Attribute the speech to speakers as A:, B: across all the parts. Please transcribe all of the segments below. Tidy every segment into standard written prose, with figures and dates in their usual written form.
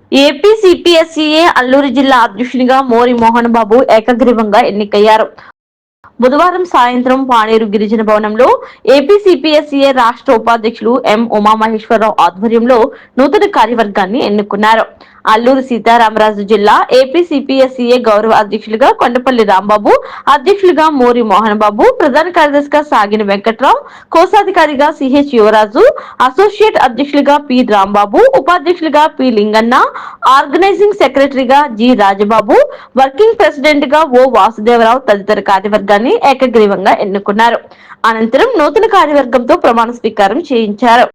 A: AP CPSEA Alluri జిల్లా అధ్యక్షునిగా మోరి మోహన్ బాబు ఏకగ్రీవంగా ఎన్నికయ్యారు. బుధవారం సాయంత్రం పాణేరు గిరిజన భవనంలో ఏపీ సిపిఎస్ఈఏ రాష్ట్ర ఉపాధ్యక్షులు ఎం ఉమామహేశ్వరరావు ఆధ్వర్యంలో నూతన కార్యవర్గాన్ని ఎన్నుకున్నారు. అల్లూరు సీతారామరాజు జిల్లా ఏపీ సిపిఎస్ఈఏ గౌరవ అధ్యక్షులుగా కొండపల్లి రాంబాబు, అధ్యక్షులుగా మోరి మోహన్ బాబు, ప్రధాన కార్యదర్శిగా సాగిన వెంకట్రావు, కోశాధికారిగా సిహెచ్ యువరాజు, అసోసియేట్ అధ్యక్షులుగా పి రాంబాబు, ఉపాధ్యక్షులుగా పి లింగన్న, ఆర్గనైజింగ్ సెక్రటరీగా జి రాజబాబు, వర్కింగ్ ప్రెసిడెంట్ గా ఓ వాసుదేవరావు తదితర కార్యవర్గాన్ని ఏకగ్రీవంగా ఎన్నుకున్నారు. అనంతరం నూతన కార్యవర్గంతో ప్రమాణ స్వీకారం చేయించారు.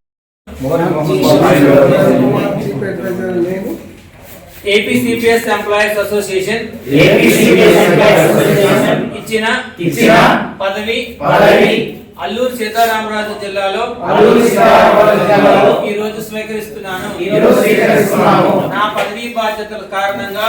B: ఏపీ సిపిఎస్ ఎంప్లాయీస్ అసోసియేషన్ ఇచ్చిన పదవి అల్లూరు సీతారామరాజు జిల్లాలో ఈ రోజు స్వీకరిస్తున్నాను. నా పదవీ బాధ్యతల కారణంగా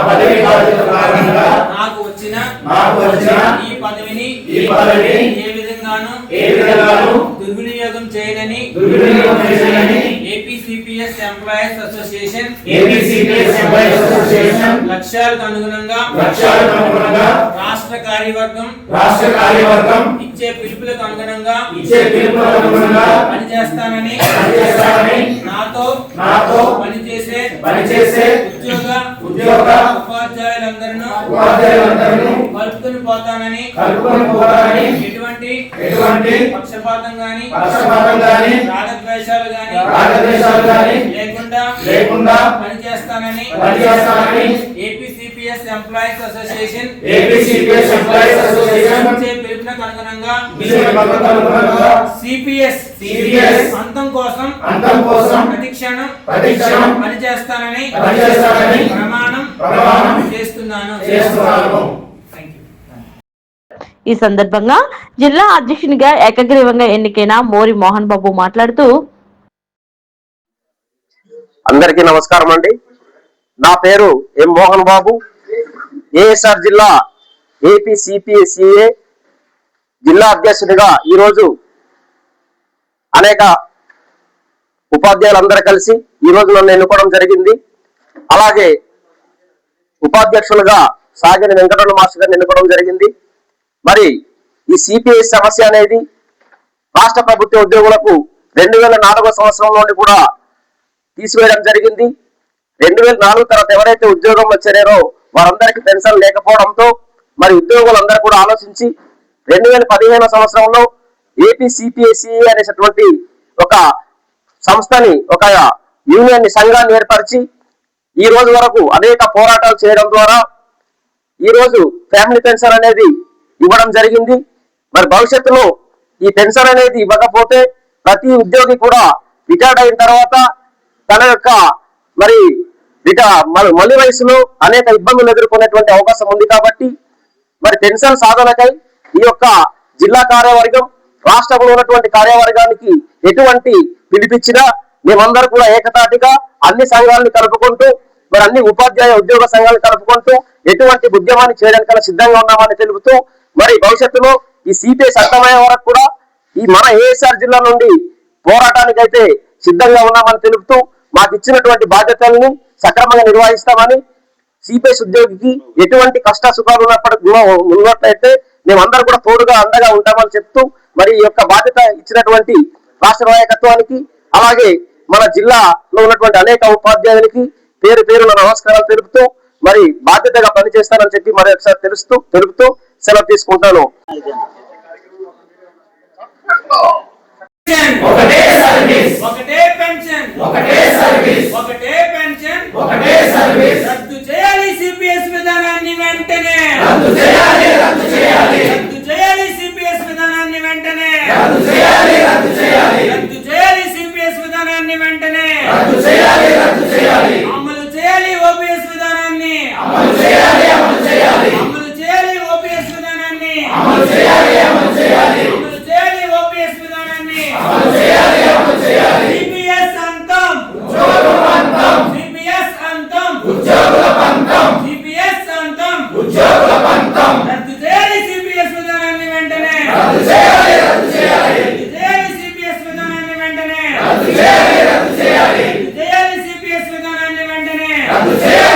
B: నాకు వచ్చిన ఈ పదవిని ఏ విధంగానూ దుర్వినియోగం చేయనని ఏపీ సిపిఎస్ ఎంప్లాయీస్ అసోసియేషన్ లక్ష్యాలకు అనుగుణంగా రాష్ట్ర కార్యవర్గం ఇచ్చే పిలుపులకు అనుగుణంగా పనిచేస్తానని నాతో పనిచేసే ఉద్యోగ ఉపాధ్యాయులందరూ కలుపుకొని పోతానని ఎటువంటి పక్షపాతం గాని రాగద్వేషాలు గాని లేకుండా పనిచేస్తానని ఏపీ సిపిఎస్ ఎంప్లాయీస్ అసోసియేషన్ పిలుపునకు అనుగుణంగా సిపిఎస్ అంతం కోసం ప్రతిక్షణం పనిచేస్తానని ప్రమాణం చేస్తున్నాను.
A: ఈ సందర్భంగా జిల్లా అధ్యక్షునిగా ఏకగ్రీవంగా ఎన్నికైన మోరి మోహన్ బాబు మాట్లాడుతూ,
C: అందరికీ నమస్కారం అండి. నా పేరు ఎం మోహన్ బాబు. ఏఎస్ఆర్ జిల్లా ఏపీ సిపిఎస్ఈఏ జిల్లా అధ్యక్షుడిగా ఈరోజు అనేక ఉపాధ్యాయులందరూ కలిసి ఈరోజు నన్ను ఎన్నుకోవడం జరిగింది. అలాగే ఉపాధ్యక్షులుగా సాగిన వెంకటరమణ మాస్టర్ గారిని ఎన్నుకోవడం జరిగింది. మరి ఈ సిపిఎస్ సమస్య అనేది రాష్ట్ర ప్రభుత్వ ఉద్యోగులకు 2004 సంవత్సరం నుండి కూడా తీసివేయడం జరిగింది. 2004 తర్వాత ఎవరైతే ఉద్యోగం వచ్చారో వారందరికీ పెన్షన్ లేకపోవడంతో మరి ఉద్యోగులందరూ కూడా ఆలోచించి 2015 సంవత్సరంలో ఏపీ సిపిఎస్ఈ అనేటటువంటి ఒక సంస్థని, ఒక యూనియన్ సంఘాన్ని ఏర్పరిచి ఈ రోజు వరకు అనేక పోరాటాలు చేయడం ద్వారా ఈ రోజు ఫ్యామిలీ పెన్షన్ అనేది ఇవ్వడం జరిగింది. మరి భవిష్యత్తులో ఈ పెన్షన్ అనేది ఇవ్వకపోతే ప్రతి ఉద్యోగి కూడా రిటైర్డ్ అయిన తర్వాత తన యొక్క మళ్ళీ వయసులో అనేక ఇబ్బందులు ఎదుర్కొనేటువంటి అవకాశం ఉంది. కాబట్టి మరి పెన్షన్ సాధనకై ఈ యొక్క జిల్లా కార్యవర్గం రాష్ట్రంలో ఉన్నటువంటి కార్యవర్గానికి ఎటువంటి పిలిపించినా మేమందరూ కూడా ఏకతాటిగా అన్ని సంఘాలను కలుపుకుంటూ మరి అన్ని ఉపాధ్యాయ ఉద్యోగ సంఘాలను కలుపుకుంటూ ఎటువంటి ఉద్యమాన్ని చేయడానికన్నా సిద్ధంగా ఉన్నామని తెలుపుతూ మరి భవిష్యత్తులో ఈ సిపిఎస్ అంతమయ్యే వరకు కూడా ఈ మన ఏఎస్ఆర్ జిల్లా నుండి పోరాటానికి అయితే సిద్ధంగా ఉన్నామని తెలుపుతూ మాకు ఇచ్చినటువంటి బాధ్యతల్ని సక్రమంగా నిర్వహిస్తామని, సిపిఎస్ ఉద్యోగికి ఎటువంటి కష్ట సుఖాలు ఉన్నట్లయితే మేమందరూ కూడా తోడుగా అండగా ఉంటామని చెప్తూ మరి ఈ యొక్క బాధ్యత ఇచ్చినటువంటి రాష్ట్ర నాయకత్వానికి అలాగే మన జిల్లాలో ఉన్నటువంటి అనేక ఉపాధ్యాయులకి పేరు పేరున నమస్కారాలు తెలుపుతూ మరి బాధ్యతగా పనిచేస్తానని చెప్పి మరి ఒకసారి తెలుపుతూ సెలవు తీసుకుంటాను.
B: రద్దు చేయాలి సిపిఎస్ విధానాన్ని వెంటనే, సిపిఎస్ విధానాన్ని వెంటనే, సిపిఎస్ విధానాన్ని వెంటనే అమలు చేయాలి. ఓపీఎస్ విధానాన్ని అమలు చేయాలి. ఓపీఎస్ విధానాన్ని అమలు చేయాలి. ఓపీఎస్ విధానాన్ని సిపిఎస్ అంతం, సిపిఎస్ అంతం, సిపిఎస్ అంతం, రద్దు చేయాలి సిపిఎస్ విధానాన్ని వెంటనే, సిపిఎస్ విధానాన్ని వెంటనే, సిపిఎస్ విధానాన్ని వెంటనే రద్దు చేయాలి